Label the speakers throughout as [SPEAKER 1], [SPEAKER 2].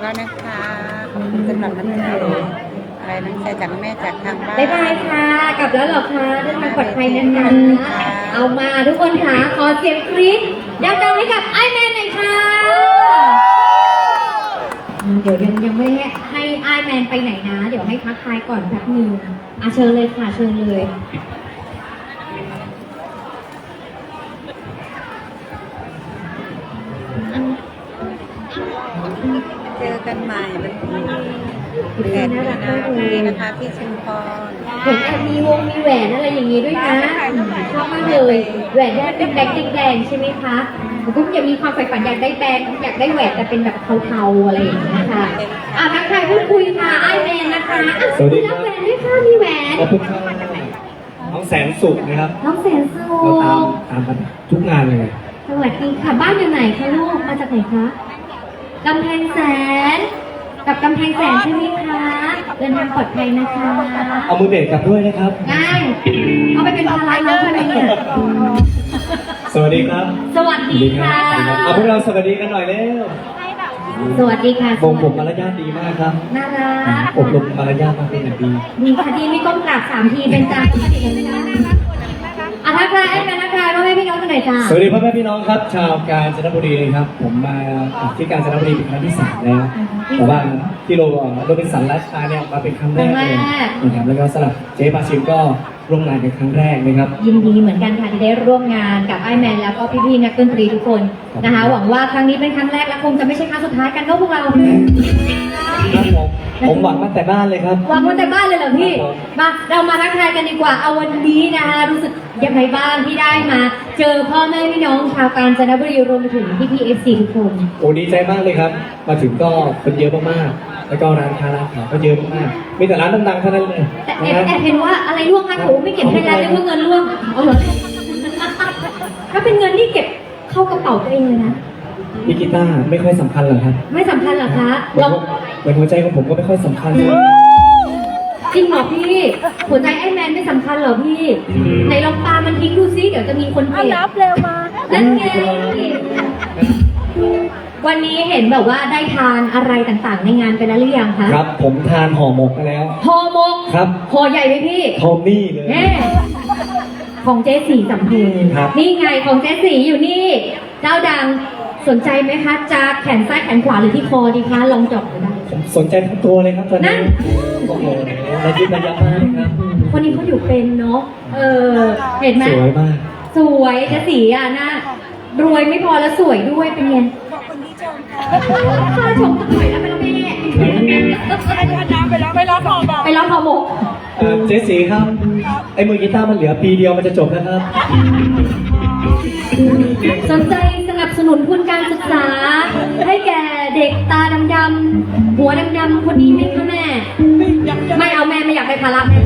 [SPEAKER 1] แล้วนะคะสำหรับน้ำใจอะไรน้ำใจจากแม่จากทางบ้าน
[SPEAKER 2] บ๊ายบายค่ะกลับแล้วเหรอคะเดินทางปลอดภัยนะคะเอามาทุกคนค่ะขอเสียงกรี๊ดดังๆให้กับไอแมนหน่อยค่ะเดี๋ยวยังไม่ให้ไอแมนไปไหนนะเดี๋ยวให้ทักทายก่อนแป๊บนึงเชิญเลยค่ะเชิญเลย
[SPEAKER 1] เจอกันใหม่วันที่8 มีนาคมนี้นะคะที่ชุมพร
[SPEAKER 2] เห็นแอบมีวงมีแหวนอะไรอย่างนี้ด้วยนะชอบมากเลยแหวนที่เป็นแบงค์แดงๆใช่ไหมคะผมก็ยังมีความใฝ่ฝันอยากได้แบงค์อยากได้แหวนแต่เป็นแบบเทาๆอะไรอย่างนี้ค่ะทักทายพูดคุยค่ะไอแมนนะคะสวัสดีครับแหวนด้วยค่ะมีแหวน
[SPEAKER 3] ขอบคุณครับน้องแสนสุขนะครับ
[SPEAKER 2] น้องแสนสุ
[SPEAKER 3] เรา
[SPEAKER 2] ข
[SPEAKER 3] ตามกันทุกงานเลย
[SPEAKER 2] สวัสดีค่ะบ้านอยู่ไหนคะลูกมาจากไหนคะกำแพงแสนกับกำแพงแสนใช่ไหมคะเดินทางปลอดภัยนะคะ
[SPEAKER 3] เอามือเบสกลับด้วยนะครับ
[SPEAKER 2] ได้เอาไปเป็นภาระน้องทำไมเนี่ย
[SPEAKER 3] สวัสดีครับ
[SPEAKER 2] สวัสดีค่ะ
[SPEAKER 3] เอาพวกเราสวัสดีกันหน่อยเร็ว
[SPEAKER 2] สวัสดีค่ะ
[SPEAKER 3] วงผมมารยาทดีมากครับ
[SPEAKER 2] น่ารัก
[SPEAKER 3] อบรมมารยาทมาเป็นอย่างดี
[SPEAKER 2] ดีค่ะดีไม่ก้มกราบ3 ทีเป็นจ้าทักทายไอ้แม่ทักทายพ่อแม่พี่น้องกันหน่อยจ้า
[SPEAKER 3] สวัสดีพ่อแม่พี่น้องครับ ชาวกาญจนบุรีนะครับ ผมมาที่กาญจนบุรีเป็นครั้งที่3แล้วแต่ว่าที่โรบินสันราชาเนี่ยมาเป็นครั้งแรกเลยนะครับแล้วก็สำหรับเจ๊ปาชิมก็ร่วมงานเป็นครั้งแรกนะครับ
[SPEAKER 2] ยินดีเหมือนกันค่ะที่ได้ร่วมงานกับไอ้แมนแล้วก็พี่ๆนักดนตรีทุกคนนะคะหวังว่าครั้งนี้เป็นครั้งแรกและคงจะไม่ใช่ครั้งสุดท้ายกันเนาะพวกเรา
[SPEAKER 3] ผมหวังมาแต่บ้านเลยครับ
[SPEAKER 2] วางไว้แต่บ้านเลยเหรอพี่ มาเรามาทักทายกันดีกว่า เอาวันนี้นะคะรู้สึกยังไงบ้างที่ได้มา เจอพ่อแม่พี่น้องชาวกาญจนบุรีรวมไปถึงพี่ๆ FC ทุกคน
[SPEAKER 3] โอ้ดีใจมากเลยครับ มาถึงก็คนเยอะมากๆ แล้วก็ร้านค้าร้านขายก็เยอะมากๆมีแต่ร้านดังๆเท่านั้นเลย
[SPEAKER 2] แต่แอบเห็นว่าอะไรร่วงคะโอ้ไม่เก็บให้แล้วเรียกว่าเงินร่วงเอาเหรอถ้าเป็นเงินที่เก็บเข้ากระเป๋าตัวเองเลยนะ
[SPEAKER 3] พี่กีตาร์ไม่ค่อยสำคัญหรอกครับ
[SPEAKER 2] ไม่สำคัญเหรอคะ
[SPEAKER 3] เหมือนหัวใจของผมก็ไม่ค่อยสำคัญเลย
[SPEAKER 2] จริงเหรอพี่หัวใจไอ้แมนไม่สำคัญเหรอพี่ไหนลองปามันทิ้งดูซิเดี๋ยวจะมีคนเก็บนับเร็วมานั่นไงวันนี้เห็นแบบว่าได้ทานอะไรต่างๆ ในงานไปแล้วหรือยังคะ
[SPEAKER 3] ครับ ผมทานห่อหมกมาแล้ว
[SPEAKER 2] ห่อหมก
[SPEAKER 3] ครับ
[SPEAKER 2] ห่อใหญ่ไหมพี่
[SPEAKER 3] ทอมมี่เลย
[SPEAKER 2] แน่ของเจ๊สีสำเพ็ง
[SPEAKER 3] ครับ
[SPEAKER 2] นี่ไงของเจ๊สีอยู่นี่ เจ้าดังสนใจไหมคะจะแขนซ้ายแขนขวาหรือที่คอดีคะลองจับดูได้
[SPEAKER 3] ผมสนใจทั้งตัวเลยครับตอน
[SPEAKER 2] นั่
[SPEAKER 3] นี้
[SPEAKER 2] น
[SPEAKER 3] โอ้โหระยิบระยับมากครับ
[SPEAKER 2] คนนี้เขาอยู่เป็นเนาะเห็นไหม
[SPEAKER 3] สวยมาก
[SPEAKER 2] สวยเจ๊สีอ่ะนะรวยไม่พอแล้วสวยด้วยเป็นไงค่าชมสักหน่อยนะเป็นแม่ไปร้องห่อหมก
[SPEAKER 3] เจ๊สีครับ ไอ้มือกีตาร์มันเหลือปีเดียวมันจะจบแล้วครับ
[SPEAKER 2] สนใจสนับสนุนทุนการศึกษา ให้แก่เด็กตาดำๆหัวดำๆคนนี้ไหมคะแม่ ไม่เอาแม่ไม่อยากได้ภาระแม่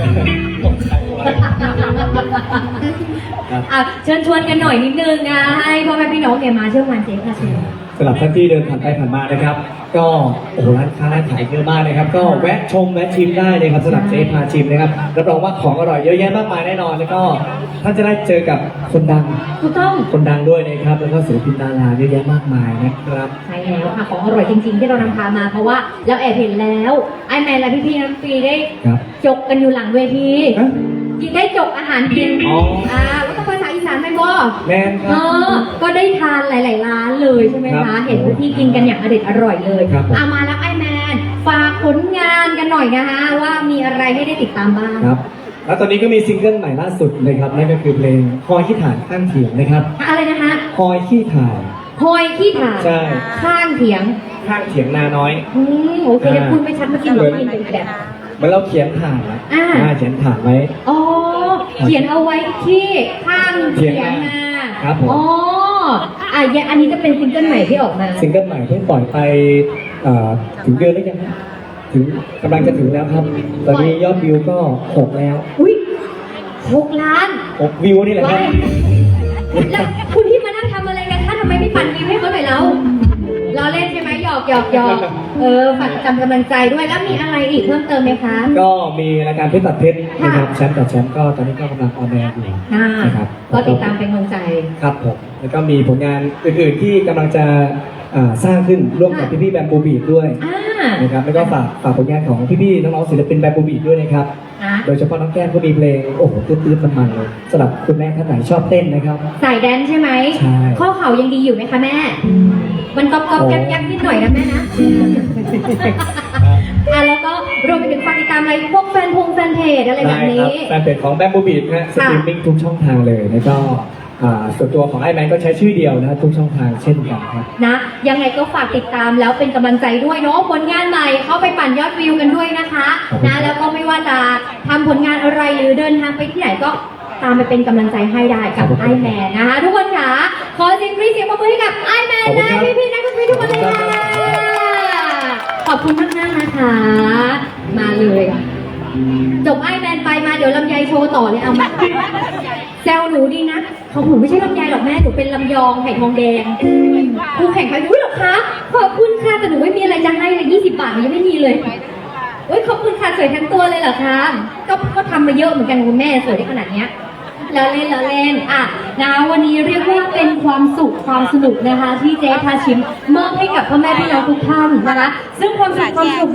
[SPEAKER 2] เชิญชวนกันหน่อยนิดนึงนะให้พ่อแม่พี่น้องแกมาเชื่อวันเจ๊ค่ะเชิญ
[SPEAKER 3] สำหรับท่านที่เดินผ่านไปผ่านมานะครับ ก็โอ้โหร้านค้าร้านขายเยอะมากนะครับ ก็แวะชมแวะชิมได้เลยครับสำหรับเจ๊พาชิมนะครับรับรองว่าของอร่อยเยอะแยะมากมายแน่นอนแล้วก็ท่านจะได้เจอกับคนดัง
[SPEAKER 2] ถูกต้อง
[SPEAKER 3] คนดังด้วยนะครับแล้วก็ศิลปินดาราเยอะแยะมากมายนะครับ
[SPEAKER 2] ใช่แล้วค่ะของอร่อยจริงๆที่เรานำพามาเพราะว่าเราแอบเห็นแล้วไอ้แมนและพี่ๆน้ำฟรีได้
[SPEAKER 3] ครับ
[SPEAKER 2] จกกันอยู่หลังเวที
[SPEAKER 3] ฮะ
[SPEAKER 2] กินได้จกอาหารกิน
[SPEAKER 3] อ๋อ
[SPEAKER 2] ว่าต้องภาษาอีสานไหมบ่
[SPEAKER 3] แม่นค
[SPEAKER 2] เอ
[SPEAKER 3] รับ
[SPEAKER 2] ก็ได้ทานหลายๆร้านเลยใช่ไหม
[SPEAKER 3] ครั
[SPEAKER 2] คะ
[SPEAKER 3] บ
[SPEAKER 2] เห็นที่กินกันอย่างอร่อยเลย
[SPEAKER 3] ครับผม
[SPEAKER 2] มาแล้วไอ้แมนฝากผลงานกันหน่อยนะคะว่ามีอะไรให้ได้ติดตามบ้าง
[SPEAKER 3] ครับแล้วตอนนี้ก็มีซิงเกิลใหม่ล่าสุดเลยครับนั่นก็คือเพลงคอยขี้ถ่านข้างเถียงนะครับ
[SPEAKER 2] อะไรนะคะ
[SPEAKER 3] คอยขี้ถ่าน
[SPEAKER 2] คอยขี้ถ่าน
[SPEAKER 3] ใช่
[SPEAKER 2] ข้างเถียง
[SPEAKER 3] ข้างเถียงนาน้อย
[SPEAKER 2] โอเคเดี๋ยวพูดไม่ชัดเมื่อกี้หนูได้ยินเป็นแบบ
[SPEAKER 3] เหมื่อนเราเขียนถ่านนะ เขียนถ่านไว้
[SPEAKER 2] อ๋อเขียนเอาไว้ที่ข้างเถียงนา
[SPEAKER 3] ครับผม
[SPEAKER 2] อ๋ออันนี้จะเป็นซิงเกิลใหม่ที่ออกมา
[SPEAKER 3] ซิงเกิลใหม่เพิ่งปล่อยไปถึงเดือนแล้วยังถึงกำลังจะถึงแล้วครับ ตอนนี้ยอดวิวก็6แล้ว
[SPEAKER 2] อุ้ย6 ล้าน
[SPEAKER 3] 6วิวนี่แหละครับ
[SPEAKER 2] แล้วคุณที่มานั่งทำอะไรกันคะทำไมไม่ปั่นวิวให้เขาหน่อยแล้วล้อเล่นใช่ไหมหยอกฝากกำลังใจด้วยแล้วมีอะไรอีกเพิ่มเติมไหมคะ
[SPEAKER 3] ก็มีรายการเพชรตัดเพชรนะครับแชมป์ต่อแชมป์ก็ตอนนี้ก็กำลังออนแอร์อยู่นะครับ
[SPEAKER 2] ก็ติดตามเป็นกำลังใจ
[SPEAKER 3] ครับผมแล้วก็มีผลงานอื่นๆที่กำลังจะสร้างขึ้นร่วมกับพี่ๆแบมบูบีดด้วย
[SPEAKER 2] อ่า
[SPEAKER 3] นะครับแล้วก็ฝากผลงานของพี่ๆน้องๆศิลปินแบมบูบีดด้วยนะครับ
[SPEAKER 2] นะ
[SPEAKER 3] โดยเฉพาะน้องแก้มก็มีเพลงโอ้โหตื้นๆมันๆเลยสำหรับคุณแม่ท่านไหนชอบเต้นนะครับ
[SPEAKER 2] สายแดนใช่ไหม
[SPEAKER 3] ใช่
[SPEAKER 2] ข้อเข่ายังดีอยู่ไหมคะแม่ มันก๊อบๆแก๊บๆนิดหน่อยนะแม่นะ แล้วก็รวมไปถึงฝากติดตามอะไรพวกแฟนเพจอะไรแบบ
[SPEAKER 3] ได้ค
[SPEAKER 2] นี้
[SPEAKER 3] รับแฟนเพจของแบมบูบีดนะสตรีมมิ่งทุกช่องทางเลยแล้วก็ส่วนตัวของไอแมนก็ใช้ชื่อเดียวนะทุกช่องทางเช่นกันครับ
[SPEAKER 2] นะยังไงก็ฝากติดตามแล้วเป็นกำลังใจด้วยเนาะผลงานใหม่เข้าไปปั่นยอดวิวกันด้วยนะคะนะแล้วก็ไม่ว่าจะทำผลงานอะไรหรือเดินทางไปที่ไหนก็ตามไปเป็นกำลังใจให้ได้กับไอแมนนะคะทุกคนค่ะขอเสียงปรบมือให้กับไอแมนนะพี่ๆนักดนตรีทุกคนเลยค่ะขอบคุณมากๆนะคะ มาเลยจบไอแมนไปมาเดี๋ยวลำไยโชว์ต่อเลยเอามาแซวหนูดีนะของหนูไม่ใช่ลำไยหรอกแม่หนูเป็นลำยองไข่ทองแดงคู่แข่งใครรู้หรอคะขอบคุณค่ะแต่หนูไม่มีอะไรจะให้เลย20 บาทหนูยังไม่มีเลยเฮ้ยขอบคุณค่ะสวยทั้งตัวเลยเหรอคะก็ทำมาเยอะเหมือนกันคุณแม่สวยได้ขนาดเนี้ยแล้วเล่นอ่ะนะวันนี้เรียกว่าเป็นความสุขความสนุกนะคะที่เจ๊พาชิมมอบให้กับพ่อแม่พี่น้องทุกท่านนะคะซึ่งความสุขความสนุก